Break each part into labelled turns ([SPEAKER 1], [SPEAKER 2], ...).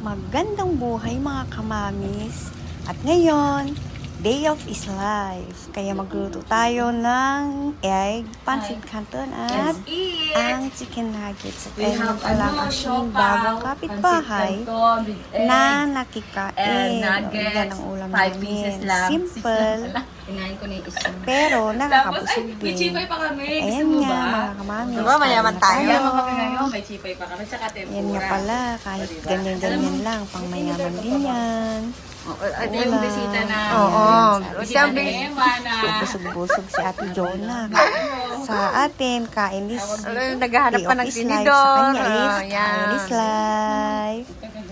[SPEAKER 1] Magandang buhay mga kamamis. At ngayon, day of is life. Kaya magluto tayo ng egg, pancit canton at ang chicken nuggets. At ayun pala ang aking bagong kapitbahay na nakikain. Yan ang ulam namin. Simple.
[SPEAKER 2] Inahin ko na yung isa.
[SPEAKER 1] Pero nakakabusog
[SPEAKER 2] May
[SPEAKER 1] din.
[SPEAKER 2] chipay pa kami.
[SPEAKER 1] Ayan
[SPEAKER 2] Gusto mo
[SPEAKER 1] nga
[SPEAKER 2] ba?
[SPEAKER 1] mga kamamis.
[SPEAKER 3] Diba, mayaman tayo?
[SPEAKER 2] Mayaman kami ngayon. May chipay pa kami. Tsaka tempura.
[SPEAKER 1] Yan nga pala, kahit ganyan-ganyan lang, pang mayaman din yan.
[SPEAKER 2] Ito yung bisita na.
[SPEAKER 3] Oo.
[SPEAKER 2] Bisita
[SPEAKER 3] Sabi,
[SPEAKER 2] ni Emma na.
[SPEAKER 1] Busog-busog si Ate Jonah. Sa atin, kain is
[SPEAKER 3] naghahanap
[SPEAKER 1] day
[SPEAKER 3] pa
[SPEAKER 1] of
[SPEAKER 3] ng
[SPEAKER 1] his life.
[SPEAKER 3] tinidor.
[SPEAKER 1] Sa kanya is
[SPEAKER 3] Ayan.
[SPEAKER 1] kain is life.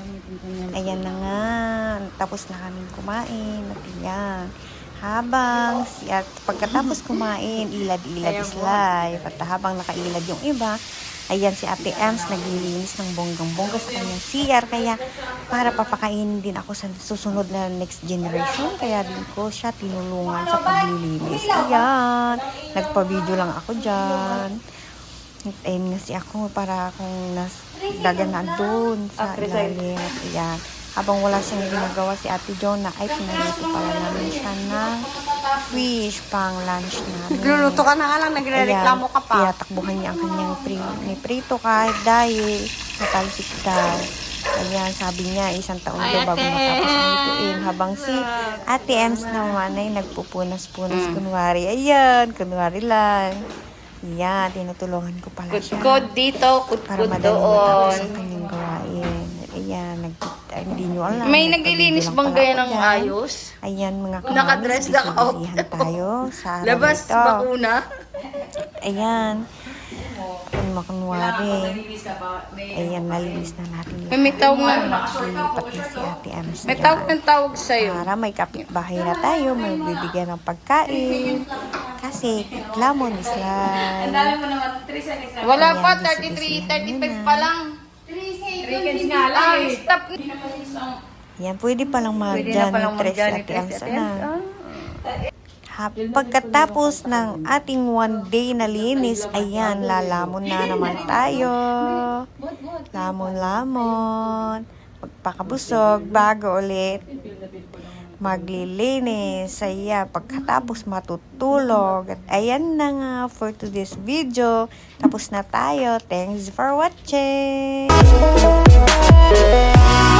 [SPEAKER 1] Ayan na nga. Tapos na kaming kumain. At yan. Habang at pagkatapos kumain, ilad-ilad is life. At habang nakailad yung iba, ayan si Ate Ems naglilinis ng bonggang-bongga sa kanyang CR. Kaya para papakainin din ako sa susunod na next generation. Kaya din ko siya tinulungan sa paglilinis. Ayan. Nagpa-video lang ako dyan. Ayun nga si ako para akong daganaan doon sa ilalim. Ayan. Habang wala siyang ginagawa si Ate Jonah, ay pinalito pala namin siya ng fish pang lunch namin.
[SPEAKER 3] Nagluluto ka na nga lang, nagre-reklamo ka pa.
[SPEAKER 1] Tinatakbuhan niya ang kanyang prito kahit dahil natalsik daw. Ayan, sabi niya, 1 taon daw bago matapos ang lutuin. Habang si Ate Ems naman ay nagpupunas-punas kunwari. Ayan, kunwari lang. Ayan, tinutulungan ko pala siya.
[SPEAKER 3] Kudkod dito,
[SPEAKER 1] Para
[SPEAKER 3] kudkod
[SPEAKER 1] madali matapos
[SPEAKER 3] doon.
[SPEAKER 1] ang kanyang gawain. Ayan, hindi nyo alam.
[SPEAKER 3] May naglilinis
[SPEAKER 1] nagpa-video
[SPEAKER 3] bang
[SPEAKER 1] lang
[SPEAKER 3] gaya
[SPEAKER 1] pala
[SPEAKER 3] ng
[SPEAKER 1] ako dyan.
[SPEAKER 3] ayos?
[SPEAKER 1] Ayan, mga kamamis,
[SPEAKER 3] Nakadress na ako.
[SPEAKER 1] busy-busyhan tayo sa araw
[SPEAKER 3] Labas,
[SPEAKER 1] ito.
[SPEAKER 3] bakuna.
[SPEAKER 1] Ayan. Kung makunwari.
[SPEAKER 2] Nalinis ka pa.
[SPEAKER 1] Ayan, nalinis na natin.
[SPEAKER 3] May tawag na.
[SPEAKER 1] Lipat na si Ate Ems
[SPEAKER 3] May
[SPEAKER 1] dyan.
[SPEAKER 3] tawag ng tawag sa'yo.
[SPEAKER 1] Para may kapitbahay na tayo, may bibigyan ng pagkain. Kasi, lamon is
[SPEAKER 2] Ang
[SPEAKER 1] life.
[SPEAKER 2] dami mo naman. 3 seconds na.
[SPEAKER 3] Wala pa,
[SPEAKER 1] Ayan,
[SPEAKER 3] 33,
[SPEAKER 1] busy-busyhan
[SPEAKER 3] 35
[SPEAKER 1] muna.
[SPEAKER 3] pa lang.
[SPEAKER 2] 3 seconds nga lang
[SPEAKER 3] Ah,
[SPEAKER 2] eh.
[SPEAKER 3] stop.
[SPEAKER 1] Ayan, pwede palang
[SPEAKER 3] Pwede na
[SPEAKER 1] mag-Johnny
[SPEAKER 3] palang
[SPEAKER 1] Tres
[SPEAKER 3] mag-Johnny
[SPEAKER 1] Ate
[SPEAKER 3] Tres
[SPEAKER 1] Ems
[SPEAKER 3] Ate
[SPEAKER 1] na.
[SPEAKER 3] Ems.
[SPEAKER 1] Pagkatapos ng ating one day na linis, ayan, lalamon na naman tayo. Lamon-lamon. Magpakabusog, bago ulit maglilinis. Ayan, pagkatapos matutulog. At ayan na nga for today's video. Tapos na tayo. Thanks for watching!